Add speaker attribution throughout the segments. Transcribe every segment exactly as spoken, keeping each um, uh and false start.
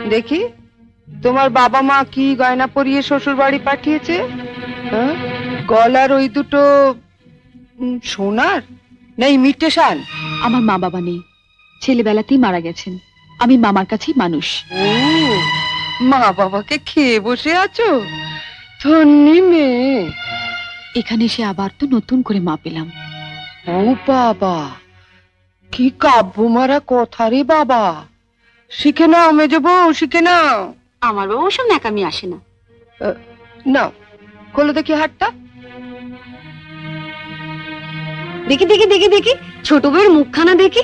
Speaker 1: দেখি তোমার বাবা মা কি গয়না পরিয়ে শ্বশুর বাড়ি পাঠিয়েছে। হ্যাঁ, গলার ওই দুটো সোনার না ইমিটেশন?
Speaker 2: আমার মা বাবা নেই, ছেলেবেলাতেই মারা গেছেন। আমি মামার কাছেই মানুষ।
Speaker 1: ও, মা বাবাকে খেয়ে বসে আছো, ধন্যি মেয়ে।
Speaker 2: এখানে এসে আবার তো নতুন করে মা পেলাম।
Speaker 1: ও বাবা, কি কাব্য মারা কথা রে বাবা। শিখে নাও মেজো বউ, শিখে নাও।
Speaker 2: আমার বাবা ওসব ন্যাকামি আসে না।
Speaker 1: নাও, খোলো দেখি হাতটা।
Speaker 2: দেখি দেখি দেখি দেখি ছোট বউয়ের মুখখানা দেখি।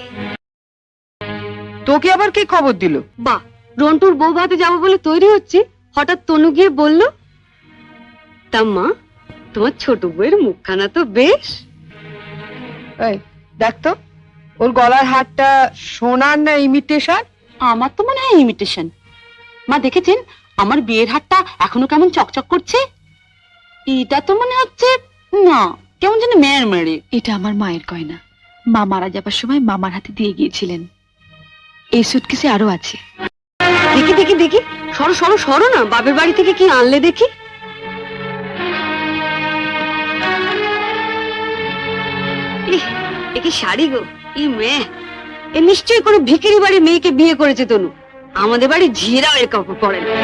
Speaker 1: তোকে আবার কে খবর দিল?
Speaker 2: বাহ, রন্টুর বউ ভাতে যাবো বলে তৈরি হচ্ছে, হঠাৎ তনু গিয়ে বলল। তা মা, তোমার ছোট বউয়ের মুখখানা তো বেশ।
Speaker 1: এই দেখ তো, ওর গলার হারটা সোনার না ইমিটেশন?
Speaker 2: আমার তো মনে হয় ইমিটেশন। মা দেখেছেন আমার বিয়ের হারটা এখনো কেমন চকচক করছে? এটা তো মনে হচ্ছে না, কেমন যেন মেয়ের মেরে। এটা আমার মায়ের গয়না, মা মারা যাবার সময় মামার হাতে দিয়ে গিয়েছিলেন। এই সুটকেসে আরো আছে। দেখি দেখি দেখি, সরো সরো সরো না, বাপের বাড়ি থেকে কি আনলে দেখি। এ কি শাড়ি গো, ই মেয়ে, এ নিশ্চয়ই কোনো ভিখারি বাড়ির মেয়েকে বিয়ে করেছে তনু। আমাদের বাড়ি ঝিয়েরাও এর কাপড় পরে না।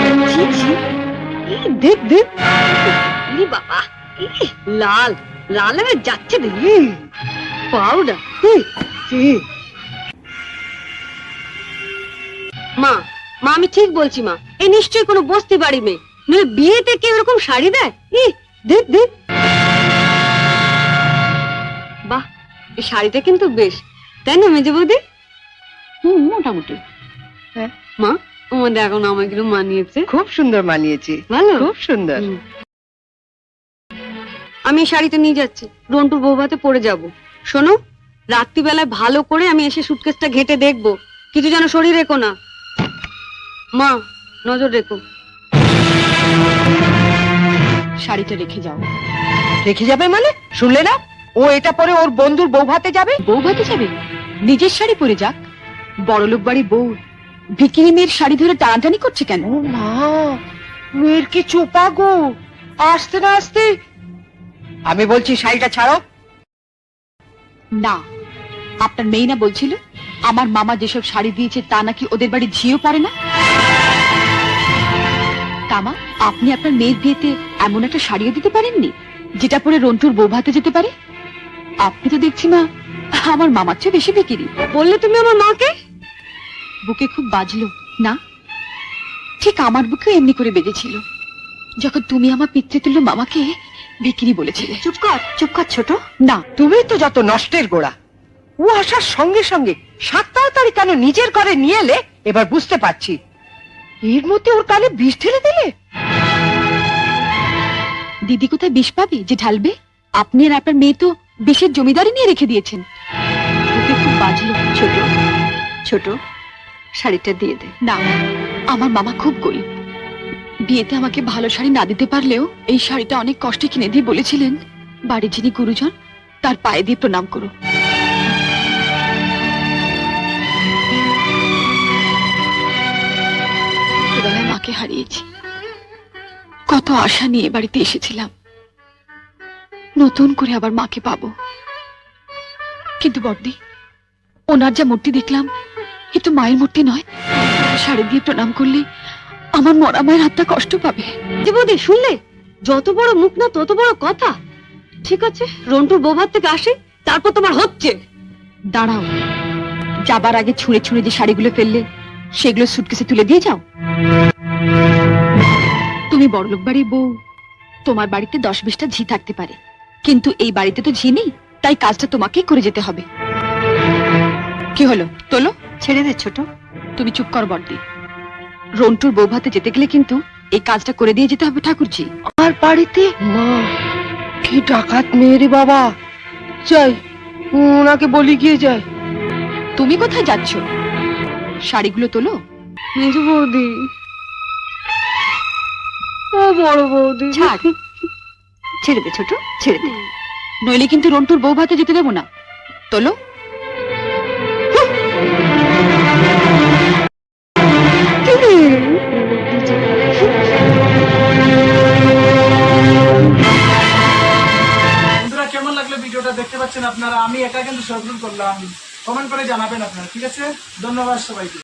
Speaker 2: দেখ দেখ, বাবা লাল লাল হয়ে যাচ্ছে, পাউডার। মা মা আমি ঠিক বলছি মা, এ নিশ্চয়ই কোনো বস্তি বাড়ি মেয়ে, নইলে বিয়েতে কেউ এরকম শাড়ি দেয়? ই দেখ দেখ, বাহ, এই শাড়িটা কিন্তু বেশ, তাই না মেজে বৌদি? হুম, মোটামুটি।
Speaker 1: হ্যাঁ
Speaker 2: মা, আমাদের এখন আমাকে মানিয়েছে,
Speaker 1: খুব সুন্দর মানিয়েছে,
Speaker 2: ভালো,
Speaker 1: খুব সুন্দর।
Speaker 2: আমি এই শাড়িটা নিয়ে যাচ্ছি, রন্টুর বউ ভাতে পরে যাব। শোনো, রাত্রিবেলায় ভালো করে আমি এসে সুটকেসটা ঘেটে দেখবো, কিছু যেন শরীর রেখো না। মা, নজর রেখো। শাড়িটা রেখে যাও।
Speaker 1: রেখে যাবে মানে? শুনলে না, ও এটা পরে ওর বন্ধুর বউ ভাতে যাবে।
Speaker 2: বউ ভাতে যাবে? নিজের শাড়ি পরে যাক। বড়লোক বাড়ি বউ ভিকিরি মেয়ের শাড়ি ধরে টানাটানি করছে কেন?
Speaker 1: ও মা, মেয়ের কি চোপা গো, আসতে না আসতে। আমি বলছি শাড়িটা ছাড়ো।
Speaker 2: না, আপনার মেয়ে না বলছিল আমার মামা যেসব শাড়ি দিয়েছে তা নাকি ওদের বাড়ি ঝিও পড়ে না। তামা, আপনি আপনার মেয়ের বিয়েতে এমন একটা শাড়িও দিতে পারেননি যেটা পরে রন্টুর বউ ভাতে যেতে পারে? আপনি তো দেখছি মা আমার মামার চেয়ে বেশি বিক্রি। বললে তুমি আমার মাকে? বুকে খুব বাজলো না? ঠিক আমার বুকেও এমনি করে বেজেছিল যখন তুমি আমার পিতৃতুল্য মামাকে বিক্রি বলেছিলে। চুপ কর, চুপ কর ছোট। না,
Speaker 1: তুমি তো যত নষ্টের গোড়া। ও আসার সঙ্গে সঙ্গে সাত তাড়াতাড়ি কেন নিজের ঘরে নিয়ে এলে এবার বুঝতে পারছি। এর মধ্যে ওর কানে বিষ ঢেলে দিলে।
Speaker 2: দিদি কোথায় বিষ পাবে যে ঢালবে? আপনি আর আপনার মেয়ে তো বিষের জমিদারি নিয়ে রেখে দিয়েছেন। বুকে খুব বাজলো ছোট। ছোট, শাড়িটা দিয়ে দে। না, আমার মামা খুব গরিব, বিয়েতে আমাকে ভালো শাড়ি না দিতে পারলেও এই শাড়িটা অনেক কষ্টে কিনে দিয়ে বলেছিলেন বাড়ির যিনি গুরুজন তার পায়ে দিয়ে প্রণাম করো। ছোটবেলায় মাকে হারিয়েছি, কত আশা নিয়ে বাড়িতে এসেছিলাম, নতুন করে আবার মাকে পাবো। কিন্তু বড়দি, ওনার যা মূর্তি দেখলাম এ তো মায়ের মূর্তি নয়। শাড়ি দিয়ে প্রণাম করলে আমার মরা মায়ের হাতটা কষ্ট পাবে। বৌদি শুনলে, যত বড় মুখ না তত বড় কথা। ঠিক আছে, রন্টুর বৌভাত থেকে আসে, তারপর তোমার হচ্ছে। দাঁড়াও, যাবার আগে ছুঁড়ে ছুঁড়ে যে শাড়িগুলো ফেললে সেগুলো সুটকেসে তুলে দিয়ে যাও। তুমি বড়লোক বাড়ির বউ, তোমার বাড়িতে দশ বিশটা ঝি থাকতে পারে, কিন্তু এই বাড়িতে তো ঝি নেই, তাই কাজটা তোমাকেই করে যেতে হবে। কি হলো, তোলো। ছেড়ে দে ছোট। তুমি চুপ কর বড়দি, রন্টুর বউ ভাতে যেতে গেলে কিন্তু এই কাজটা করে দিয়ে যেতে হবে ঠাকুরজি।
Speaker 1: আর বাড়িতে মা কি ডাকাত মেয়ে রে বাবা। যাই, ওনাকে বলি গিয়ে যাই।
Speaker 2: তুমি কোথায় যাচ্ছ? শাড়িগুলো তোলো। মেজো বৌদি, ও বড় বৌদি, ছাড়, ছেড়ে দে ছোট, ছেড়ে দে, নইলে কিন্তু রন্টুর বউ ভাতে যেতে দেবো না। তোলো।
Speaker 1: কি রে,
Speaker 3: আসলে ভিডিওটা দেখতে পাচ্ছেন আপনারা, আমি একা কিন্তু সরপ্রুল করলাম। কমেন্ট করে জানাবেন আপনারা, ঠিক আছে? ধন্যবাদ সবাইকে।